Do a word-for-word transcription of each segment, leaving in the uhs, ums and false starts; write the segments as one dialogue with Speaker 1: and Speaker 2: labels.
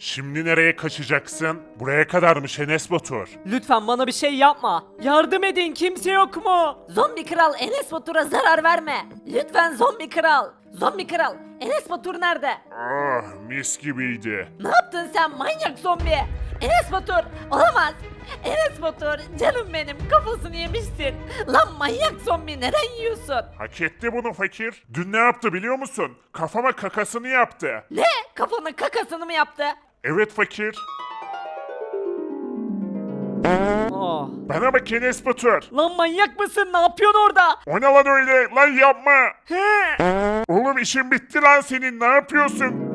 Speaker 1: Şimdi nereye kaçacaksın? Buraya kadarmış Enes Batur.
Speaker 2: Lütfen bana bir şey yapma. Yardım edin, kimse yok mu?
Speaker 3: Zombi kral Enes Batur'a zarar verme. Lütfen zombi kral. Zombi kral Enes Batur nerede?
Speaker 1: Ah, mis gibiydi.
Speaker 3: Ne yaptın sen manyak zombi? Enes Batur olamaz. Enes Batur canım benim kafasını yemişsin. Lan manyak zombi neden yiyorsun?
Speaker 1: Hak etti bunu fakir. Dün ne yaptı biliyor musun? Kafama kakasını yaptı.
Speaker 3: Ne? Kafanın kakasını mı yaptı?
Speaker 1: Evet fakir.
Speaker 2: Oh.
Speaker 1: Bana bak Enes Batur.
Speaker 2: Lan manyak mısın? Ne yapıyorsun orada?
Speaker 1: O ne lan öyle? Lan yapma.
Speaker 2: He.
Speaker 1: Oğlum işin bitti lan senin. Ne yapıyorsun?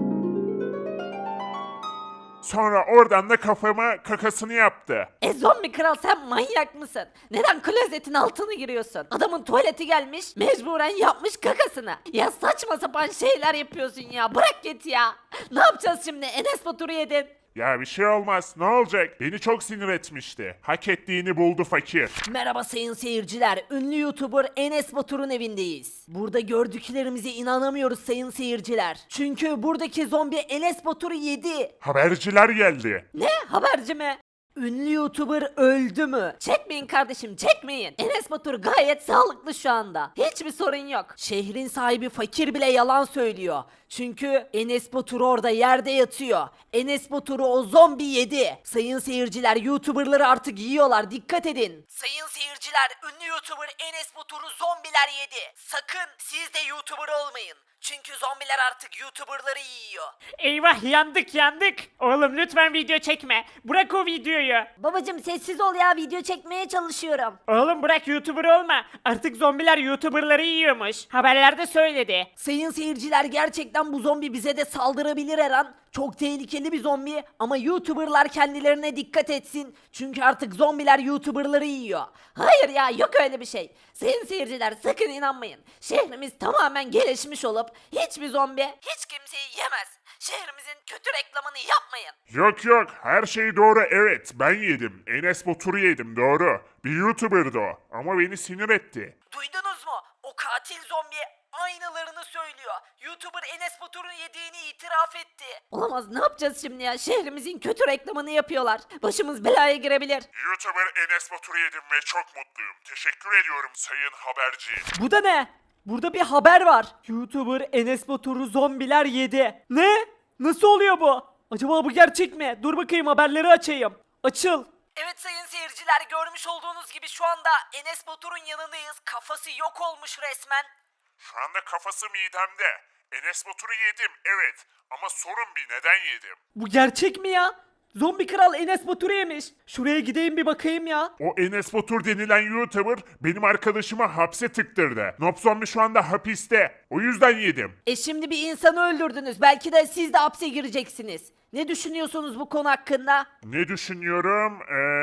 Speaker 1: Sonra oradan da kafama kakasını yaptı.
Speaker 3: E zombi kral sen manyak mısın? Neden klozetin altına giriyorsun? Adamın tuvaleti gelmiş mecburen yapmış kakasını. Ya saçma sapan şeyler yapıyorsun ya bırak git ya. Ne yapacağız şimdi Enes Batur'u yedin.
Speaker 1: Ya bir şey olmaz. Ne olacak? Beni çok sinir etmişti. Hak ettiğini buldu fakir.
Speaker 3: Merhaba sayın seyirciler. Ünlü YouTuber Enes Batur'un evindeyiz. Burada gördüklerimize inanamıyoruz sayın seyirciler. Çünkü buradaki zombi Enes Batur'u yedi.
Speaker 1: Haberciler geldi.
Speaker 3: Ne? Haberci mi? Ünlü YouTuber öldü mü? Çekmeyin kardeşim çekmeyin. Enes Batur gayet sağlıklı şu anda. Hiçbir sorun yok. Şehrin sahibi fakir bile yalan söylüyor. Çünkü Enes Batur orada yerde yatıyor. Enes Batur'u o zombi yedi. Sayın seyirciler YouTuber'ları artık yiyorlar dikkat edin. Sayın seyirciler ünlü YouTuber Enes Batur'u zombiler yedi. Sakın siz de YouTuber olmayın. Çünkü zombiler artık YouTuber'ları yiyor.
Speaker 2: Eyvah yandık yandık. Oğlum lütfen video çekme. Bırak o videoyu.
Speaker 3: Babacım sessiz ol ya video çekmeye çalışıyorum.
Speaker 2: Oğlum bırak YouTuber olma. Artık zombiler YouTuber'ları yiyormuş. Haberlerde söyledi.
Speaker 3: Sayın seyirciler gerçekten bu zombi bize de saldırabilir her an. Çok tehlikeli bir zombi ama YouTuber'lar kendilerine dikkat etsin. Çünkü artık zombiler YouTuber'ları yiyor. Hayır ya yok öyle bir şey. Sayın seyirciler sakın inanmayın. Şehrimiz tamamen gelişmiş olup hiçbir zombi hiç kimseyi yemez. Şehrimizin kötü reklamını yapmayın.
Speaker 1: Yok yok, her şey doğru, evet ben yedim. Enes Batur'u yedim, doğru. Bir YouTuber'dı o ama beni sinir etti.
Speaker 3: Duydunuz mu? O katil zombi aynılarını söylüyor. YouTuber Enes Batur'un yediğini itiraf etti. Olamaz ne yapacağız şimdi ya? Şehrimizin kötü reklamını yapıyorlar. Başımız belaya girebilir.
Speaker 1: YouTuber Enes Batur'u yedim ve çok mutluyum. Teşekkür ediyorum sayın haberci.
Speaker 2: Bu da ne? Burada bir haber var. YouTuber Enes Batur'u zombiler yedi. Ne? Nasıl oluyor bu? Acaba bu gerçek mi? Dur bakayım haberleri açayım. Açıl.
Speaker 3: Evet sayın seyirciler görmüş olduğunuz gibi şu anda Enes Batur'un yanındayız. Kafası yok olmuş resmen.
Speaker 1: Şu anda kafası midemde. Enes Batur'u yedim, evet. Ama sorun bir, neden yedim?
Speaker 2: Bu gerçek mi ya? Zombi kral Enes Batur'u yemiş. Şuraya gideyim bir bakayım ya.
Speaker 1: O Enes Batur denilen YouTuber benim arkadaşımı hapse tıktırdı. Nob Zombi şu anda hapiste. O yüzden yedim.
Speaker 3: E şimdi bir insanı öldürdünüz. Belki de siz de hapse gireceksiniz. Ne düşünüyorsunuz bu konu hakkında?
Speaker 1: Ne düşünüyorum?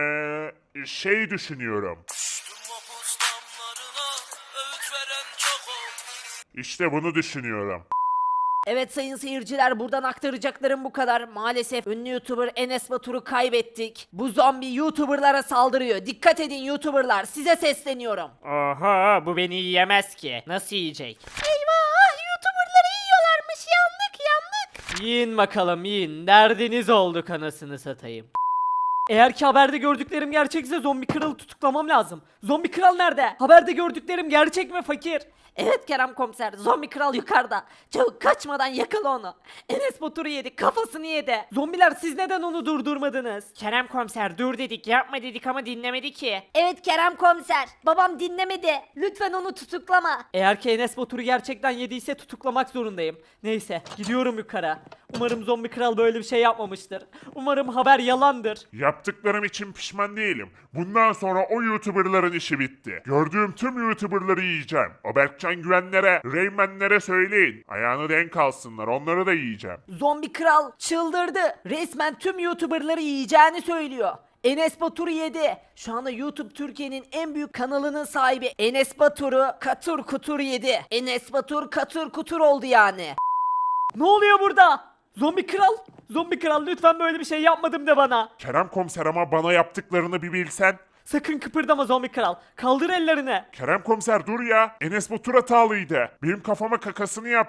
Speaker 1: Eee... Şey düşünüyorum. İşte bunu düşünüyorum.
Speaker 3: Evet sayın seyirciler buradan aktaracaklarım bu kadar. Maalesef ünlü YouTuber Enes Batur'u kaybettik. Bu zombi YouTuber'lara saldırıyor. Dikkat edin YouTuber'lar size sesleniyorum.
Speaker 2: Oha bu beni yiyemez ki. Nasıl yiyecek?
Speaker 3: Eyvah YouTuber'ları yiyorlarmış yandık yandık.
Speaker 2: Yiyin bakalım yiyin. Derdiniz olduk anasını satayım. Eğer ki haberde gördüklerim gerçekse zombi kralı tutuklamam lazım. Zombi kral nerede? Haberde gördüklerim gerçek mi fakir?
Speaker 3: Evet Kerem komiser zombi kral yukarıda. Çabuk kaçmadan yakala onu. Enes Batur'u yedi kafasını yedi.
Speaker 2: Zombiler siz neden onu durdurmadınız? Kerem komiser dur dedik yapma dedik ama dinlemedi ki.
Speaker 3: Evet Kerem komiser babam dinlemedi. Lütfen onu tutuklama.
Speaker 2: Eğer ki Enes Batur'u gerçekten yediyse tutuklamak zorundayım. Neyse gidiyorum yukarı. Umarım zombi kral böyle bir şey yapmamıştır. Umarım haber yalandır.
Speaker 1: Yaptıklarım için pişman değilim. Bundan sonra o YouTuber'ların işi bitti. Gördüğüm tüm YouTuber'ları yiyeceğim. O Berkcan Güvenlere, Reymenlere söyleyin. Ayağını denk alsınlar, onları da yiyeceğim.
Speaker 3: Zombi kral çıldırdı. Resmen tüm YouTuber'ları yiyeceğini söylüyor. Enes Batur'u yedi. Şu anda YouTube Türkiye'nin en büyük kanalının sahibi Enes Batur'u katır kutur yedi. Enes Batur katır kutur oldu yani.
Speaker 2: Ne oluyor burada? Zombi kral? Zombi kral lütfen böyle bir şey yapmadım de bana.
Speaker 1: Kerem komiser ama bana yaptıklarını bir bilsen.
Speaker 2: Sakın kıpırdama zombi kral. Kaldır ellerini.
Speaker 1: Kerem komiser dur ya. Enes Batur hatalıydı. Benim kafama kakasını yaptı.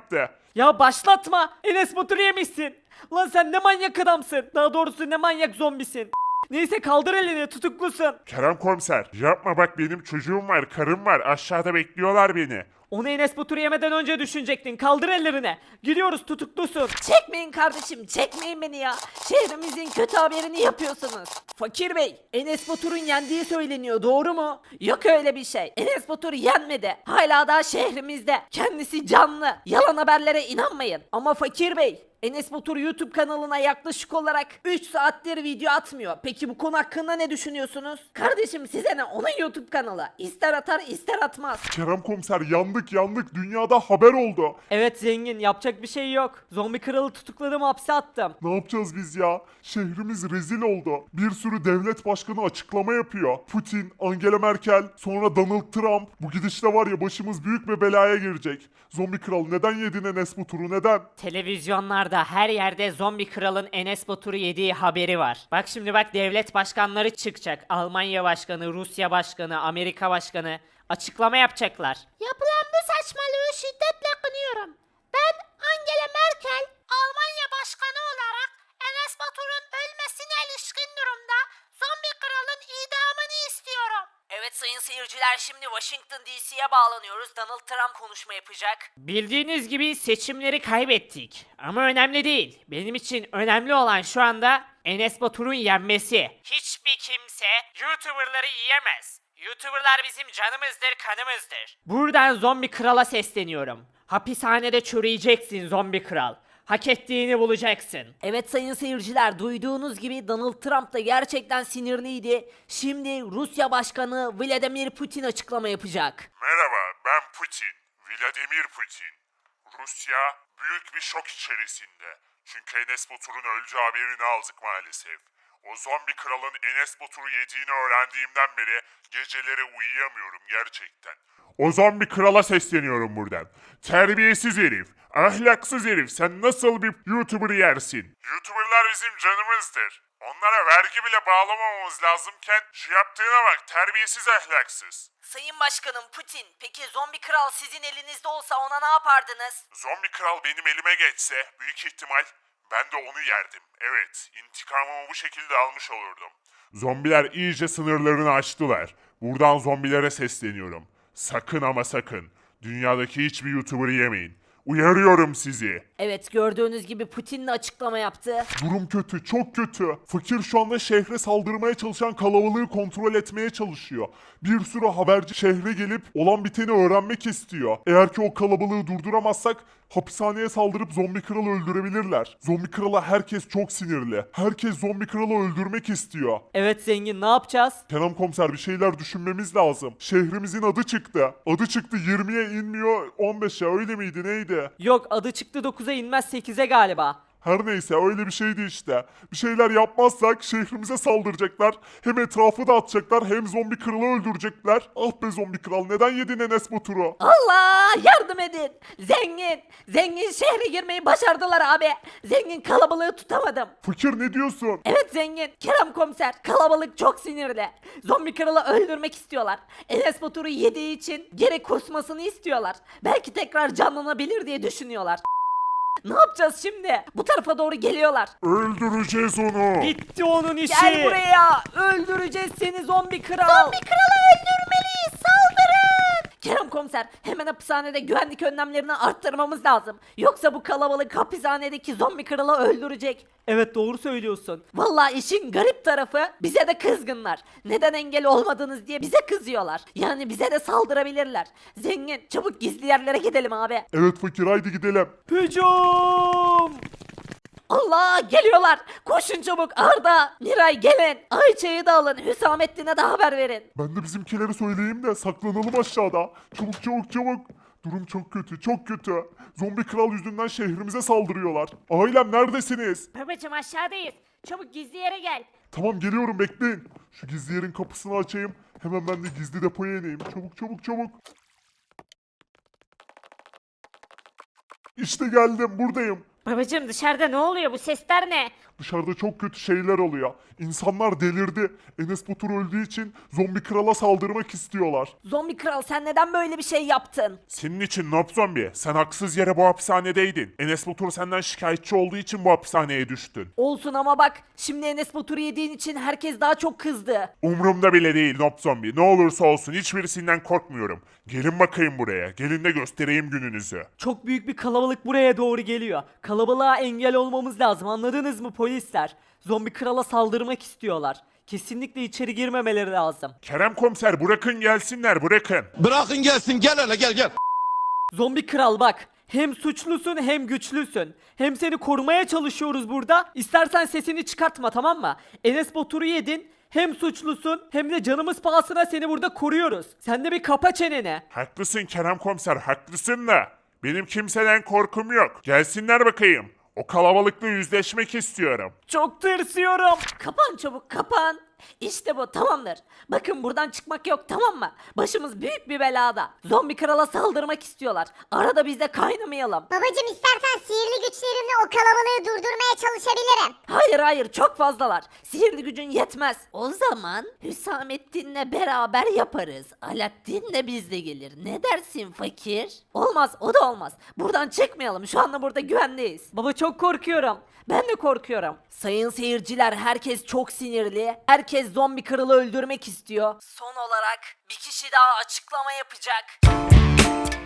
Speaker 2: Ya başlatma. Enes Batur'u yemişsin. Lan sen ne manyak adamsın. Daha doğrusu ne manyak zombisin. Neyse kaldır elini, tutuklusun.
Speaker 1: Kerem komiser yapma, bak benim çocuğum var, karım var, aşağıda bekliyorlar beni.
Speaker 2: Onu Enes Batur'u yemeden önce düşünecektin. Kaldır ellerini. Gidiyoruz, tutuklusun.
Speaker 3: Çekmeyin kardeşim, çekmeyin beni ya. Şehrimizin kötü haberini yapıyorsunuz. Fakir Bey, Enes Batur'un yendiği söyleniyor, doğru mu? Yok öyle bir şey. Enes Batur yenmedi. Hala daha şehrimizde. Kendisi canlı. Yalan haberlere inanmayın. Ama Fakir Bey, Enes Batur YouTube kanalına yaklaşık olarak üç saattir video atmıyor. Peki bu konu hakkında ne düşünüyorsunuz? Kardeşim size ne? Onun YouTube kanalı. İster atar ister atmaz.
Speaker 1: Kerem komiser yandık yandık, dünyada haber oldu.
Speaker 2: Evet zengin, yapacak bir şey yok. Zombi kralı tutukladım, hapse attım.
Speaker 1: Ne yapacağız biz ya? Şehrimiz rezil oldu. Bir sürü devlet başkanı açıklama yapıyor. Putin, Angela Merkel, sonra Donald Trump. Bu gidişle var ya başımız büyük bir belaya girecek. Zombi kral neden yedin Enes Batur'u, neden?
Speaker 2: Televizyonlarda her yerde zombi kralın Enes Batur'u yediği haberi var. Bak şimdi bak, devlet başkanları çıkacak. Almanya başkanı, Rusya başkanı, Amerika başkanı açıklama yapacaklar.
Speaker 3: Yapılan bu saçmalığı şiddetle kınıyorum. Ben Angela Merkel, Almanya Başkanı olarak Enes Batur'un ölmesine ilişkin durumda zombi kralın idamını istiyorum. Evet sayın seyirciler, şimdi Washington D C'ye bağlanıyoruz. Donald Trump konuşma yapacak.
Speaker 2: Bildiğiniz gibi seçimleri kaybettik. Ama önemli değil. Benim için önemli olan şu anda Enes Batur'un yenmesi. Hiçbir kimse YouTuber'ları yiyemez. YouTuber'lar bizim canımızdır, kanımızdır. Buradan zombi krala sesleniyorum. Hapishanede çürüyeceksin zombi kral. Hak ettiğini bulacaksın.
Speaker 3: Evet sayın seyirciler, duyduğunuz gibi Donald Trump da gerçekten sinirliydi. Şimdi Rusya Başkanı Vladimir Putin açıklama yapacak.
Speaker 1: Merhaba, ben Putin. Vladimir Putin. Rusya büyük bir şok içerisinde. Çünkü Enes Batur'un öldüğü haberini aldık maalesef. O zombi kralın Enes Batur'u yediğini öğrendiğimden beri geceleri uyuyamıyorum gerçekten. O zombi krala sesleniyorum buradan. Terbiyesiz herif, ahlaksız herif, sen nasıl bir YouTuber yersin? YouTuber'lar bizim canımızdır. Onlara vergi bile bağlamamamız lazımken şu yaptığına bak, terbiyesiz ahlaksız.
Speaker 3: Sayın Başkanım Putin, peki zombi kral sizin elinizde olsa ona ne yapardınız?
Speaker 1: Zombi kral benim elime geçse büyük ihtimal ben de onu yerdim. Evet, intikamımı bu şekilde almış olurdum. Zombiler iyice sınırlarını aştılar. Buradan zombilere sesleniyorum. Sakın ama sakın dünyadaki hiçbir YouTuber'ı yemeyin. Uyarıyorum sizi.
Speaker 3: Evet, gördüğünüz gibi Putin de açıklama yaptı.
Speaker 1: Durum kötü, çok kötü. Fakir şu anda şehre saldırmaya çalışan kalabalığı kontrol etmeye çalışıyor. Bir sürü haberci şehre gelip olan biteni öğrenmek istiyor. Eğer ki o kalabalığı durduramazsak hapishaneye saldırıp zombi kralı öldürebilirler. Zombi krala herkes çok sinirli. Herkes zombi kralı öldürmek istiyor.
Speaker 2: Evet zengin, ne yapacağız?
Speaker 1: Kerem komiser, bir şeyler düşünmemiz lazım. Şehrimizin adı çıktı. Adı çıktı yirmiye inmiyor on beşe, öyle miydi neydi?
Speaker 2: Yok, adı çıktı dokuza inmez sekize galiba.
Speaker 1: Her neyse öyle bir şeydi işte. Bir şeyler yapmazsak şehrimize saldıracaklar. Hem etrafı dağıtacaklar hem zombi kralı öldürecekler. Ah be zombi kral, neden yedin Enes Batur'u?
Speaker 3: Allah yardım edin. Zengin. Zengin şehre girmeyi başardılar abi. Zengin kalabalığı tutamadım.
Speaker 1: Fakir ne diyorsun?
Speaker 3: Evet zengin. Kerem komiser, kalabalık çok sinirli. Zombi kralı öldürmek istiyorlar. Enes Batur'u yediği için geri kusmasını istiyorlar. Belki tekrar canlanabilir diye düşünüyorlar. Ne yapacağız şimdi? Bu tarafa doğru geliyorlar.
Speaker 1: Öldüreceğiz onu.
Speaker 2: Bitti onun işi.
Speaker 3: Gel buraya. Öldüreceğiz seni zombi kral. Zombi kralı öldürmeliyiz. Saldırın. Kerem komiser, hemen hapishanede güvenlik önlemlerini arttırmamız lazım. Yoksa bu kalabalık hapishanedeki zombi kralı öldürecek.
Speaker 2: Evet doğru söylüyorsun.
Speaker 3: Vallahi işin garip tarafı, bize de kızgınlar. Neden engel olmadınız diye bize kızıyorlar. Yani bize de saldırabilirler. Zengin, çabuk gizli yerlere gidelim abi.
Speaker 1: Evet fakir, haydi gidelim.
Speaker 2: Hücum!
Speaker 3: Allah, geliyorlar. Koşun çabuk. Arda, Miray gelin. Ayça'yı da alın. Hüsamettin'e de haber verin.
Speaker 1: Ben de bizimkileri söyleyeyim de saklanalım aşağıda. Çabuk çabuk çabuk. Durum çok kötü, çok kötü. Zombi kral yüzünden şehrimize saldırıyorlar. Ailem neredesiniz?
Speaker 3: Babacım aşağıdayız. Çabuk gizli yere gel.
Speaker 1: Tamam geliyorum, bekleyin. Şu gizli yerin kapısını açayım. Hemen ben de gizli depoya ineyim. Çabuk çabuk çabuk. İşte geldim, buradayım.
Speaker 4: Babacım dışarıda ne oluyor, bu sesler ne?
Speaker 1: Dışarıda çok kötü şeyler oluyor. İnsanlar delirdi. Enes Batur öldüğü için zombi krala saldırmak istiyorlar.
Speaker 3: Zombi kral sen neden böyle bir şey yaptın?
Speaker 1: Senin için Nob Zombi, sen haksız yere bu hapishanedeydin. Enes Batur senden şikayetçi olduğu için bu hapishaneye düştün.
Speaker 3: Olsun ama bak şimdi Enes Batur'u yediğin için herkes daha çok kızdı.
Speaker 1: Umrumda bile değil Nob Zombi. Ne olursa olsun hiçbirisinden korkmuyorum. Gelin bakayım buraya. Gelin de göstereyim gününüzü.
Speaker 4: Çok büyük bir kalabalık buraya doğru geliyor. Kalabalığa engel olmamız lazım. Anladınız mı polisler? Zombi krala saldırmak istiyorlar. Kesinlikle içeri girmemeleri lazım.
Speaker 1: Kerem komiser bırakın gelsinler bırakın.
Speaker 5: Bırakın gelsin gel hele gel gel.
Speaker 4: Zombi kral bak. Hem suçlusun hem güçlüsün. Hem seni korumaya çalışıyoruz burada. İstersen sesini çıkartma, tamam mı? Enes Batur'u yedin. Hem suçlusun hem de canımız pahasına seni burada koruyoruz. Sen de bir kapa çeneni.
Speaker 1: Haklısın Kerem komiser haklısın da. Benim kimseden korkum yok. Gelsinler bakayım. O kalabalıkla yüzleşmek istiyorum.
Speaker 4: Çok tırsıyorum.
Speaker 3: Kapan çabuk kapan. İşte bu tamamdır. Bakın buradan çıkmak yok tamam mı? Başımız büyük bir belada. Zombi krala saldırmak istiyorlar. Arada biz de kaynamayalım.
Speaker 6: Babacım istersen sihirli güçlerimle o kalabalığı durdurmaya çalışabilirim.
Speaker 3: Hayır hayır çok fazlalar. Sihirli gücün yetmez. O zaman Hüsamettin'le beraber yaparız. Alaaddin de bizle gelir. Ne dersin fakir? Olmaz o da olmaz. Buradan çıkmayalım. Şu anda burada güvendeyiz.
Speaker 4: Baba çok korkuyorum.
Speaker 3: Ben de korkuyorum. Sayın seyirciler herkes çok sinirli. Herkes zombi kralı öldürmek istiyor. Son olarak bir kişi daha açıklama yapacak.